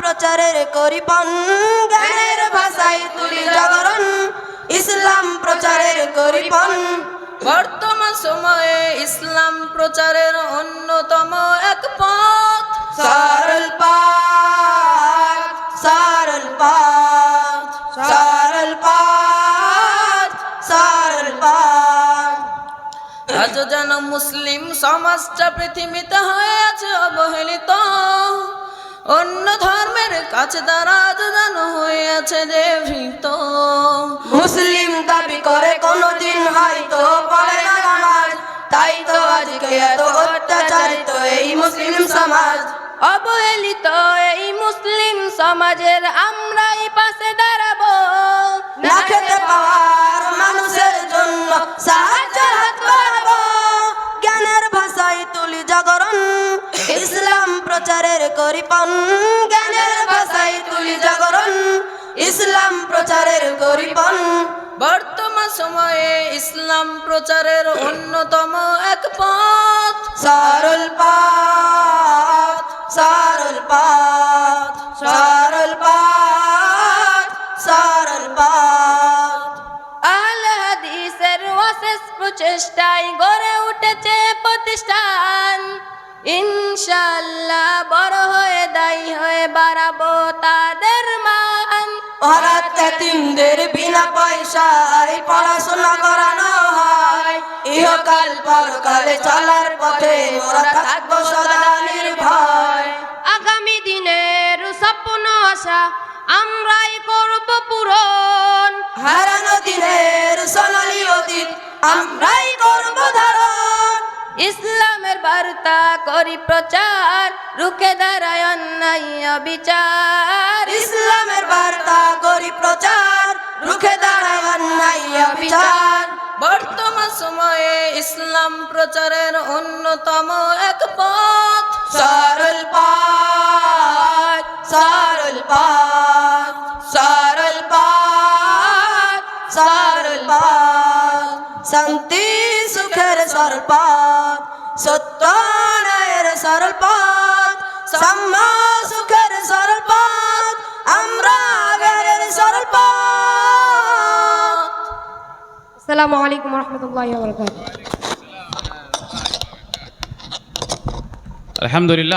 প্রচারের করিপন, জ্ঞানের ভাষায় তুলি জাগরণ, ইসলাম প্রচারের করিপন। বর্তমান সময়ে ইসলাম প্রচারের অন্যতম এক পথ সরল পথ, সরল পথ, সরল পথ, সরল পথ। আজ যেন মুসলিম সমাজটা পৃথিবীতে হয়ে আছে অবহেলিত, অন্য ধর্মের কাছে তারা আজ যেন হয়ে আছে যে ভীত। মুসলিম দাবি করে কোনদিন হয়তো পড়ে না নামাজ, তাই তো আজকে এত অত্যাচারিত এই মুসলিম সমাজ। অবহেলিত এই মুসলিম সমাজের আমরাই পাশে দাঁড়াবো, না খেতে পাওয়ার মানুষের জন্য সাহায্যের হাত বাড়াবো। জ্ঞানের ভাষায় তুলি জাগরণ, ইসলাম প্রচারের করিপন, জ্ঞানের ভাষায় তুলি জাগরণ, ইসলাম প্রচারের করিপন। বর্তমান সময়ে ইসলাম প্রচারের অন্যতম এক পথ সরল পথ, সরল পথ, সরল পথ, সরল পথ। আহলে হাদিসের অশেষ প্রচেষ্টায় গড়ে উঠেছে প্রতিষ্ঠান, ইনশাআল্লাহ বড় হয়ে দায়ী হয়ে বাড়াবো তাদের মান। অনাথ এতিমদের বিনা পয়সায় পড়াশোনা করানো হয়, ইহকাল পরকালে চলার পথে মোরা থাকবো সদা নির্ভয়। আগামী দিনের স্বপ্ন আশা আমরাই করব পূরণ, হারানো দিনের সোনালী অতীত আমরাই করবো ধারণ। ইসলামের বার্তা করি প্রচার, রুখে দাঁড়ায় অন্যায় বিচার। ইসলামের বার্তা করি প্রচার, রুখে দাঁড়ায় অন্যায় বিচার। বর্তমান সময়ে ইসলাম প্রচারের অন্যতম এক পথ সরল পথ, সরল পথ, সরল পথ, সরল পথ। শান্তি সুখের সরল পথ, সত্য ন্যায়ের সরল পথ, সাম্য সুখের সরল পথ, আমরা আগের সরল পথ। আসসালামু আলাইকুম ওয়া রাহমাতুল্লাহি ওয়া বারাকাতুহু। আলহামদুলিল্লাহ।